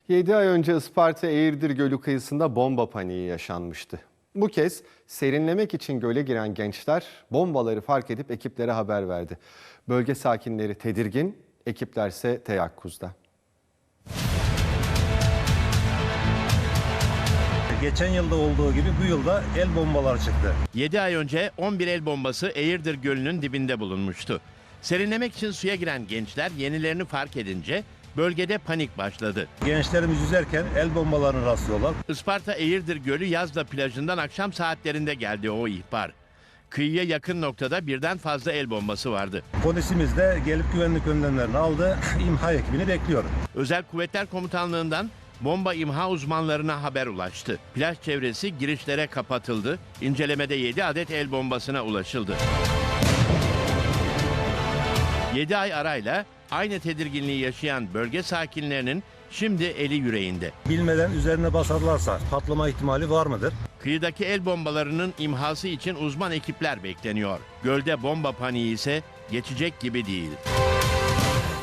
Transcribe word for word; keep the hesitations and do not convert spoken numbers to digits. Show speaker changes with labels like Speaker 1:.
Speaker 1: yedi ay önce Isparta Eğirdir Gölü kıyısında bomba paniği yaşanmıştı. Bu kez serinlemek için göle giren gençler bombaları fark edip ekiplere haber verdi. Bölge sakinleri tedirgin, ekiplerse teyakkuzda.
Speaker 2: Geçen yılda olduğu gibi bu yılda el bombaları çıktı.
Speaker 3: yedi ay önce on bir el bombası Eğirdir Gölü'nün dibinde bulunmuştu. Serinlemek için suya giren gençler yenilerini fark edince bölgede panik başladı.
Speaker 2: Gençlerimiz yüzerken el bombalarını rastlıyorlar.
Speaker 3: Isparta Eğirdir Gölü Yazda plajından akşam saatlerinde geldi o ihbar. Kıyıya yakın noktada birden fazla el bombası vardı.
Speaker 2: Polisimiz de gelip güvenlik önlemlerini aldı. İmha ekibini bekliyor.
Speaker 3: Özel Kuvvetler Komutanlığı'ndan bomba imha uzmanlarına haber ulaştı. Plaj çevresi girişlere kapatıldı. İncelemede yedi adet el bombasına ulaşıldı. yedi ay arayla aynı tedirginliği yaşayan bölge sakinlerinin şimdi eli yüreğinde.
Speaker 2: Bilmeden üzerine basarlarsa patlama ihtimali var mıdır?
Speaker 3: Kıyıdaki el bombalarının imhası için uzman ekipler bekleniyor. Gölde bomba paniği ise geçecek gibi değil.